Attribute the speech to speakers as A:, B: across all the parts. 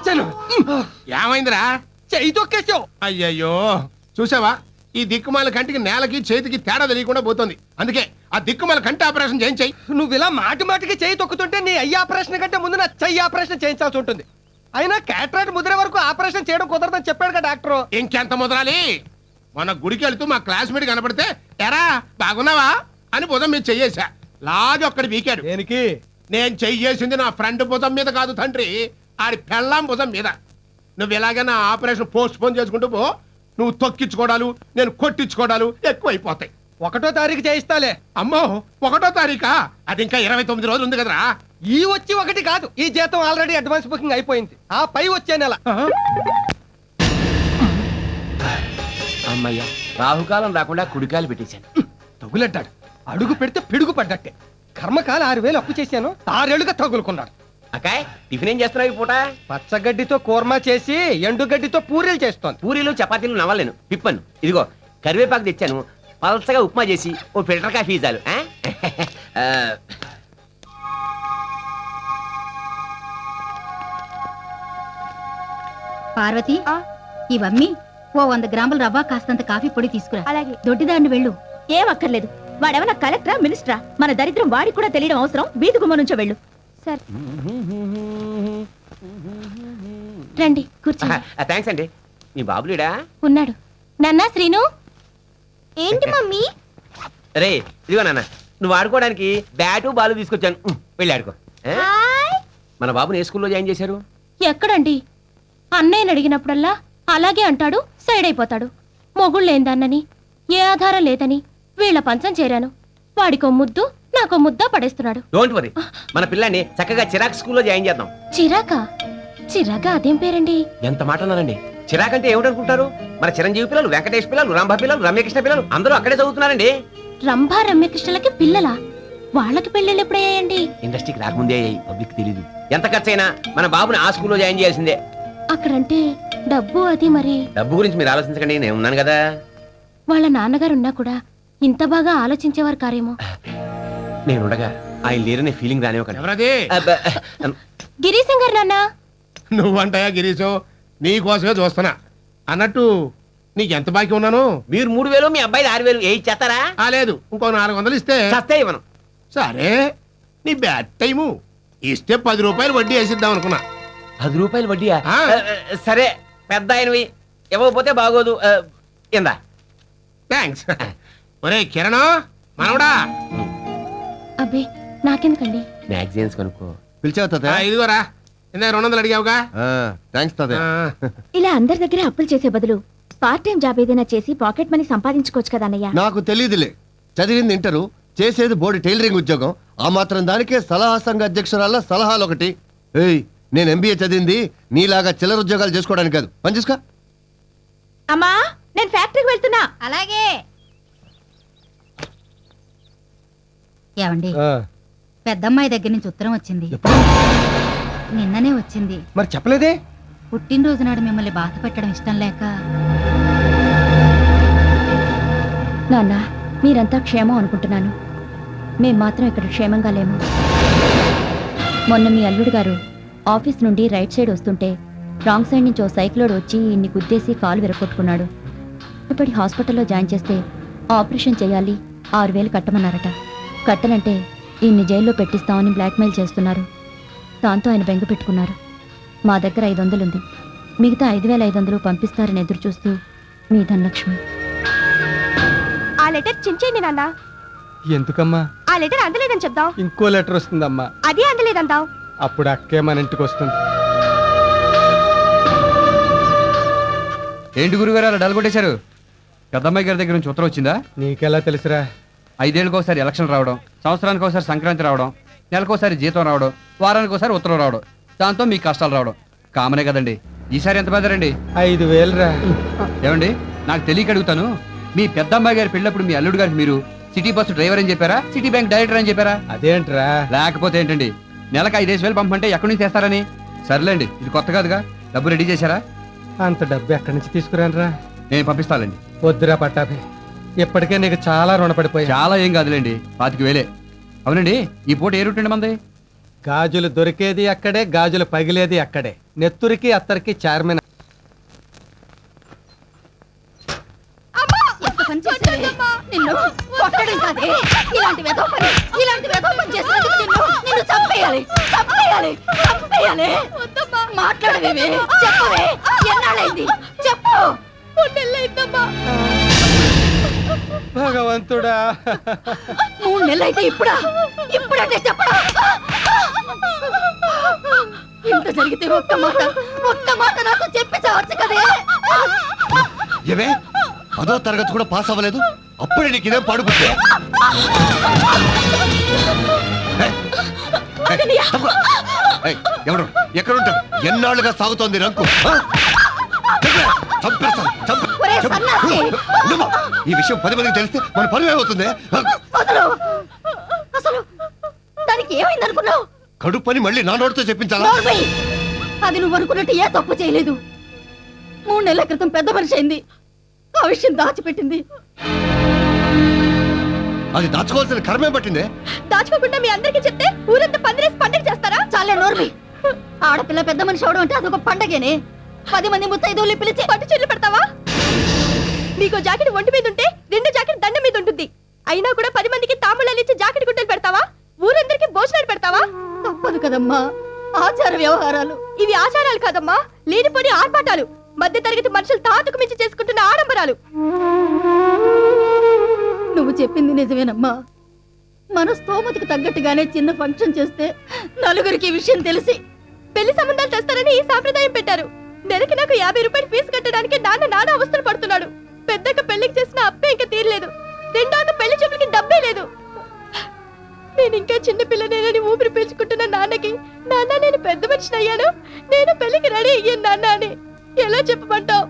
A: చచ్చాను.
B: ఏమైందిరా?
A: చెయ్యి తొక్కేసావు.
B: అయ్యయ్యో, చూసావా, ఈ దిక్కుమాల కంటికి నేలకి చేతికి తేడా తెలియకుండా పోతుంది. అందుకే ఆ దిక్కుమాల కంటి ఆపరేషన్ చేయించాయి.
A: నువ్వు ఇలా మాటి మాటికి చెయ్యి తొక్కుతుంటే నీ అయ్యి ఆపరేషన్ కంటే ముందు నా చెయ్యి ఆపరేషన్ చేయించాల్సి ఉంటుంది. అయినా క్యాటరాక్ట్ ముదిరే వరకు ఆపరేషన్ చేయడం కుదరదని చెప్పాడు కదా డాక్టర్.
B: ఇంకెంత ముదరాలి? మన గుడికి వెళ్తూ మా క్లాస్మేట్ కనపడితే ఎరా బాగున్నావా అని భుజం మీద చెయ్యేశా. లాగి ఒక్కడి వీకాడు.
A: దేనికి?
B: నేను చెయ్యేసింది నా ఫ్రెండ్ భుజం మీద కాదు తండ్రి, ఆడి పెళ్ళాం భుజం మీద. నువ్వు ఎలాగైనా ఆపరేషన్ పోస్ట్ పోన్ చేసుకుంటూ పో. నువ్వు తొక్కించుకోవడాలు, నేను కొట్టించుకోవడాలు ఎక్కువైపోతాయి.
A: 1వ తారీఖు చేయిస్తాలే.
B: అమ్మో, 1వ తారీఖా? అది ఇంకా 29 రోజులు ఉంది కదరా.
A: ఈ వచ్చి 1 కాదు, ఈ జీతం ఆల్రెడీ అడ్వాన్స్ బుకింగ్ అయిపోయింది. ఆ పై వచ్చే నెల.
C: అమ్మయ్య, రాహుకాలం రాకుండా కుడికాయలు పెట్టేశాను.
A: తగులడ్డాడు. అడుగు పెడితే పిడుగు పడ్డట్టే. కర్మకాల 6,000 అప్పు చేశాను, 6 ఏళ్లుగా తగులుకున్నాడు.
C: అక్కాయ్, టిఫిన్ ఏం చేస్తున్నావు ఈ పూట?
A: పచ్చగడ్డితో కూర్మా చేసి ఎండుగడ్డితో పూరీలు చేస్తోంది.
C: పూరీలు చపాతీలు నవ్వలేను, పిప్పను. ఇదిగో కరివేపాకు తెచ్చాను, పలసగా ఉప్మా చేసి ఓ ఫిల్టర్ కాఫీ చాలు.
D: పార్వతి, ఇవన్నీ ఓ 100 గ్రాముల రవ్వ, కాస్తంత కాఫీ పొడి తీసుకురా.
E: అలాగే.
D: దొడ్డిదాన్ని వెళ్ళు.
E: ఏం అక్కర్లేదు. వాడేమన్నా కలెక్టరా, మినిస్టరా? మన దరిద్రం వాడికి కూడా తెలియడం అవసరం. వీధి గుమ్మ నుంచో వెళ్ళు. సరే రండి, కూర్చోండి.
C: థ్యాంక్స్ అండి. మీ బాబులేడా?
E: ఉన్నాడు. నాన్నా శ్రీను. ఏంటి మమ్మీ?
C: రే ఇదిగో నాన్న, నువ్వు ఆడుకోవడానికి బ్యాటు బాలు తీసుకొచ్చాను, వెళ్ళి ఆడుకో. మన బాబుని ఏ స్కూల్లో జాయిన్ చేశారు?
E: ఎక్కడండి? అన్నయ్యని అడిగినప్పుడల్లా అలాగే అంటాడు, సైడ్ అయిపోతాడు. మొగుళ్ళేందన్నని, ఏ ఆధారం లేదని వీళ్ళ పంచం చేరాను. వాడికో ముద్దు, నాకో ముద్ద పడేస్తున్నాడు.
C: డోంట్ వరీ, మన పిల్లాన్ని చక్కగా చిరాక్ స్కూల్లో జాయిన్ చేద్దాం.
E: చిరాకా? చిరాగా అదేం పేరండి?
C: ఎంత మాట అన్నారండి. చిరాక్ అంటే ఏమిటనుకుంటారు? మన చిరంజీవి పిల్లలు, వెంకటేష్ పిల్లలు, రంభ పిల్లలు, రమ్యకృష్ణ పిల్లలు అందరూ అక్కడే చదువుతున్నారండి.
E: రంభా రమ్యకృష్ణలకి పిల్లలా? వాళ్ళకి పెళ్ళిళ్ళు ఎప్పుడయ్యాయండి?
C: ఇండస్ట్రీకి రాకముందే అయ్యాయి, పబ్లిక్ తెలీదు. ఎంత ఖర్చైనా మన బాబుని ఆ స్కూల్లో జాయిన్ చేయాల్సిందే.
E: అక్కడంటే డబ్బు అది మరి.
C: డబ్బు గురించి మీరు ఆలోచించకండి, నేను ఉన్నాను కదా.
E: వాళ్ళ నాన్నగారున్నా కూడా ఇంత బాగా ఆలోచించేవారు కారేమో.
C: నేనుండగా ఆయన లేరనే ఫీలింగ్ రానివ్వకండి.
B: ఎవరది?
E: గిరీశం గారు నాన్న.
B: నువ్వంటాయా గిరీశు? నీ కోసమే చూస్తున్నా. అన్నట్టు నీకెంత బాకీ ఉన్నాను?
C: మీరు 3,000, మీ అబ్బాయి 6,000 ఏ ఇచ్చేస్తారా?
B: లేదు, ఇంకో 400 ఇస్తే
C: చస్తే ఇవ్వను.
B: సరే, నీ బ్యాడ్ టైము. ఇస్తే 10 రూపాయలు వడ్డీ వేసిద్దాం అనుకున్నా.
C: 10 రూపాయలు వడ్డీయా?
B: ఆ.
C: సరే, పెద్ద ఆయనవి, ఇవ్వకపోతే బాగోదు. ఇందా.
B: థ్యాంక్స్. ఒరే కిరణ్, మనవడా.
E: అబ్బే నాకెందుకండి?
C: మ్యాగజైన్స్ కొనుక్కో.
F: పిలిచావు?
B: ఇదిగోరా, ఇందా 200 అడిగావుగా.
F: థ్యాంక్స్ తాతయ్య.
E: ఇలా అందరి దగ్గర అప్పులు చేసే బదులు పార్ట్ టైం జాబ్ ఏదైనా చేసి పాకెట్ మనీ సంపాదించుకోవచ్చు కదా అన్నయ్య.
F: నాకు తెలియదులే, చదివింది ఇంటరు, చేసేది బోర్డు టైలరింగ్ ఉద్యోగం. ఆ మాత్రం దానికే సలహా సంఘ అధ్యక్షురాల సలహాలు ఒకటి. ఏయ్, నేను ఎంబీఏ చదివింది నీలాగా చిల్లర ఉద్యోగాలు చేసుకోవడానికి కాదు. పని చూసుకో.
E: అమ్మా, నేను ఫ్యాక్టరీకి వెళ్తున్నా.
D: అలాగే. ఏమండి, పెద్దమ్మాయి దగ్గర నుంచి ఉత్తరం వచ్చింది. నిన్ననే వచ్చింది.
A: మరి చెప్పలేదే?
D: పుట్టినరోజు నాడు మిమ్మల్ని బాధ పెట్టడం ఇష్టం లేక.
E: నాన్న, మీరంతా క్షేమం అనుకుంటున్నాను. మేం మాత్రం ఇక్కడ క్షేమంగా లేము. మొన్న మీ అల్లుడు గారు ఆఫీస్ నుండి రైట్ సైడ్ వస్తుంటే రాంగ్ సైడ్ నుంచి ఓ సైక్లోడ్ వచ్చి ఇన్ని గుద్దేసి కాలు విరగొట్టుకున్నాడు. ఇప్పటి హాస్పిటల్లో జాయిన్ చేస్తే ఆపరేషన్ చేయాలి, 6,000 కట్టమన్నారట. కట్టనంటే ఈయన్ని జైల్లో పెట్టిస్తామని బ్లాక్మెయిల్ చేస్తున్నారు. దాంతో ఆయన బెంగ పెట్టుకున్నారు. మా దగ్గర 500 ఉంది, మిగతా 5,500 పంపిస్తారని ఎదురు చూస్తూ మీ ధనలక్ష్మి.
G: ఆ లెటర్ చించేయండి నాన్న.
A: ఎందుకమ్మా?
G: ఆ లెటర్ అందలేదని చెప్దాం.
A: ఇంకో లెటర్ వస్తుందమ్మా.
G: అది అందలేదంటావు.
A: అప్పుడు అక్కే మన ఇంటికి వస్తుంది.
H: ఏంటి గురుగారు అలా డల్గొట్టేశారు? పెద్దమ్మాయి గారి దగ్గర నుంచి ఉత్తరం వచ్చిందా?
A: నీకెలా తెలుసురా?
H: 5 ఏళ్ళకి ఒకసారి ఎలక్షన్ రావడం, సంవత్సరానికి ఒకసారి సంక్రాంతి రావడం, నెలకోసారి జీతం రావడం, వారానికి ఒకసారి ఉత్తరం రావడం, దాంతో మీ కష్టాలు రావడం కామనే కదండి. ఈసారి ఎంత బెదరండి?
A: 5,000 రా.
H: ఏమండి, నాకు తెలియక అడుగుతాను, మీ పెద్దమ్మాయి గారి పెళ్ళప్పుడు మీ అల్లుడు గారికి మీరు సిటీ బస్సు డ్రైవర్ అని చెప్పారా, సిటీ బ్యాంక్ డైరెక్టర్ అని చెప్పారా?
A: అదేంట్రా?
H: లేకపోతే ఏంటండి, నెలకు 5,000 పంపంటే ఎక్కడి నుంచి తెస్తారని? సర్లేండి, ఇది కొత్త కాదుగా. డబ్బు రెడీ చేశారా?
A: అంత డబ్బు ఎక్కడి నుంచి తీసుకురానరా?
H: నేను పంపిస్తానండి.
A: వద్దురా పట్టాభి, ఇప్పటికే నీకు చాలా రుణపడిపోయా.
H: చాలా ఏం కాదులేండి, 25,000. అవునండి, ఈ పూట ఏ రూట్ అండి మంది?
A: గాజులు దొరికేది అక్కడే, గాజులు పగిలేది అక్కడే. నెత్తురికి అత్తరికి చార్మిన.
D: ఎంత పని చేశావే? నిన్ను కొట్టడం కాదే, ఇలాంటి వెధవ పని చేసినందుకు నిన్ను చంపేయాలి. మాట్లాడవేమే, చెప్పవే, ఎన్నాళ్ళైంది చెప్పు.
A: భగవంతుడా,
D: 3 నెలలైతే ఇప్పుడంటే చెప్పడా? ఇంత జరిగితే ఒక్క మాట నాతో చెప్పి చావచ్చు కదే.
F: ఏవే అదో తరగతి కూడా పాస్ అవ్వలేదు, అప్పుడే నీకు ఇదేం పడుకుంటే? ఎవరు ఎక్కడుంటారు? ఎన్నాళ్ళుగా సాగుతోంది రంకు? ఆ? చెప్పే, చంపేస్తాను,
D: ఒరే సన్నాసి!
F: ఉండమ్మా. ఈ విషయం 10 మందికి తెలిస్తే మన పరువు ఏమవుతుంది?
D: అసలు దానికి ఏమైంది అనుకున్నావు?
F: కడుపు పని మళ్ళీ నా నోటితో చెప్పించాలా?
D: నోర్మై! అది నువ్వు అనుకున్నట్టు ఏ తప్పు చేయలేదు. 3 నెలల క్రితం పెద్ద మనిషి అయింది, ఆ విషయం దాచిపెట్టింది.
F: అది దాచుకోవాల్సిన కర్మే పట్టిందే.
G: దాచుకోకుండా మీ అందరికీ చెప్తే ఊరంతా పందిరేసి పండుగ చేస్తారా?
D: చాలే నోర్మి. ఆడపిల్ల పెద్ద మనిషి అవడం అంటే అదొక పండగేనే. 10 మంది ముత్తైదువుల్ని పిలిచి
G: పట్టు చీరలు పెడతావా? నీకో జాకెట్ ఒంటి మీద ఉంటే 2 జాకెట్ దండం మీద ఉంటుంది. అయినా కూడా 10 మందికి తాంబూలాలు ఇచ్చి జాకెట్ గుట్టలు పెడతావా? ఊరందరికీ భోజనాలు పెడతావా?
D: తప్పదు కదమ్మా, ఆచార వ్యవహారాలు.
G: ఇవి ఆచారాలు కాదమ్మా, లేనిపోని ఆర్భాటాలు. మధ్య తరగతి మనుషులు తాతుకు మించి చేసుకుంటున్న ఆడంబరాలు.
D: నువ్వు చెప్పింది నిజమేనమ్మా. మన స్తోమతకు తగ్గట్టుగానే చిన్న ఫంక్షన్ చేస్తే నలుగురికి ఈ విషయం తెలిసి
G: పెళ్లి సంబంధాలు తెస్తారని ఈ సాంప్రదాయం పెట్టారు. నెలకి నాకు 50 రూపాయలు ఫీజు కట్టడానికి నాన్న అవస్థలు పడుతున్నాడు. పెద్దక్క పెళ్లికి చేసిన అప్పే ఇంకా తీరలేదు. రెండోక పెళ్లి చూపులకి డబ్బే లేదు. నేను ఇంకా చిన్న పిల్లనేనని ఊపిరి పీల్చుకుంటున్న నాన్నకి, నాన్న నేను పెద్ద మనిషిని అయ్యాను, నేను పెళ్లికి రెడీ అయ్యాను నాన్న అని ఎలా చెప్పమంటావు?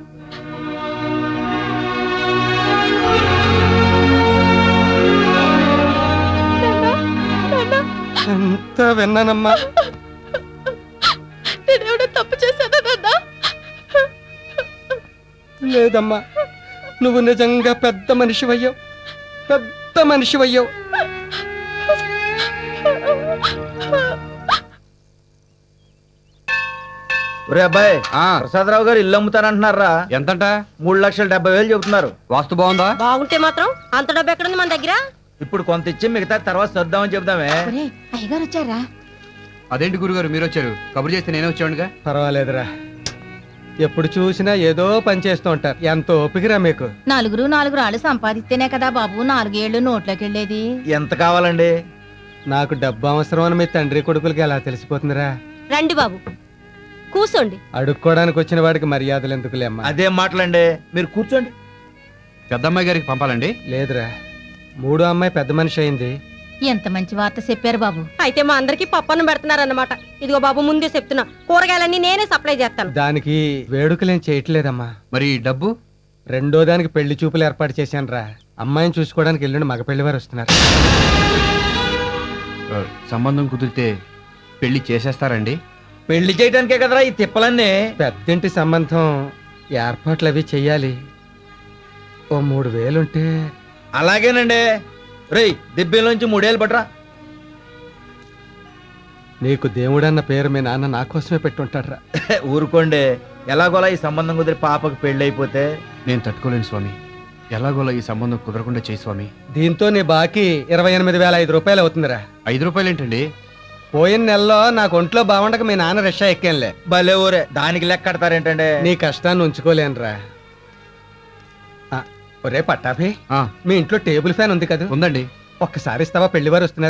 A: అంతా విన్నానమ్మా.
G: నేనేమైనా తప్పు చేశానా నాన్న?
A: లేదమ్మా, నువ్వు నిజంగా పెద్ద మనిషివయ్యావు.
I: ఒరే అబ్బాయి,
H: ఆ,
I: ప్రసాదరావు గారు ఇల్లు అమ్ముతానంటున్నారా?
H: ఎంతంట?
I: 3,70,000 చెబుతున్నారు.
H: వాస్తు బాగుందా?
G: బాగుంటే మాత్రం అంత డబ్బు ఎక్కడుంది మన దగ్గర?
I: ఇప్పుడు కొంత ఇచ్చి మిగతా తర్వాత సర్దామని చెబుదామే.
D: అయ్యగారు వచ్చారా?
H: అదేంటి గురుగారు మీరు వచ్చారు? కబురు చేస్తే నేనే వచ్చాడుగా.
A: పర్వాలేదురా, ఎప్పుడు చూసినా ఏదో పని చేస్తూ ఉంటారు. ఎంత ఓపికరా మీకు.
D: 4 రాళ్ళు సంపాదిస్తేనే కదా బాబు 4 ఏళ్ళు నోట్లోకి వెళ్ళేది.
I: ఎంత కావాలండి?
A: నాకు డబ్బు అవసరం అని మీ తండ్రి కొడుకులకి ఎలా తెలిసిపోతుందిరా?
G: రండి బాబు, కూసోండి.
A: అడుక్కోవడానికి వచ్చిన వాడికి మర్యాదలు ఎందుకులే అమ్మా.
I: అదేం మాటలండి, మీరు కూర్చోండి.
H: పెద్దమ్మాయి గారికి పంపాలండి.
A: లేదురా, 3వ అమ్మాయి పెద్ద మనిషి అయింది.
D: ఎంత మంచి వార్త చెప్పారు బాబు.
G: అయితే మా అందరికి పప్పన్నం పెడుతున్నారన్నమాట. ఇదిగో బాబు, ముందే చెప్తున్నా, కూరగాయలన్నీ నేనే సప్లై చేస్తాను.
A: దానికి వేడుకలేం చేయట్లేదమ్మా.
H: మరి డబ్బు?
A: 2వ దానికి పెళ్లి చూపులు ఏర్పాటు చేశానురా. అమ్మాయిని చూసుకోవడానికి ఎల్లుండి మగ పెళ్లి వారు వస్తున్నారు.
H: సంబంధం కుదిరితే పెళ్లి చేసేస్తారండి?
I: పెళ్లి చేయడానికే కదరా ఈ తిప్పలన్నీ.
A: పెద్దింటి సంబంధం ఏర్పాట్లు అవి చెయ్యాలి. ఓ 3,000 ఉంటే.
I: అలాగేనండి. రేయ్, దిబ్బేలోంచి 3 పట్రా.
A: నీకు దేవుడన్న పేరు మీ నాన్న నా కోసమే పెట్టుంటాడ్రా.
I: ఊరుకోండి, ఎలాగోలా ఈ సంబంధం కుదిరి పాపకు పెళ్లి అయిపోతే.
H: నేను తట్టుకోలేను స్వామి. ఎలాగోలా ఈ సంబంధం కుదరకుండా చేయి స్వామి.
A: దీంతో నీ బాకీ 28,500 రూపాయలు అవుతుందిరా.
H: 5 రూపాయలు ఏంటండి?
A: పోయిన నెలలో నాకు ఒంట్లో బాగుండక మీ నాన్న రిక్షా ఎక్కానులే.
I: భలే ఊరే, దానికి లెక్క కడతారేంటండి?
A: నీ కష్టాన్ని ఉంచుకోలేనురా. ఒరే పట్టాభి,
H: ఆ,
A: మీ ఇంట్లో టేబుల్ ఫ్యాన్ ఉంది కదా?
H: ఉందండి.
A: ఒక్కసారి ఇస్తావా? పెళ్లి వారు వస్తున్నారు.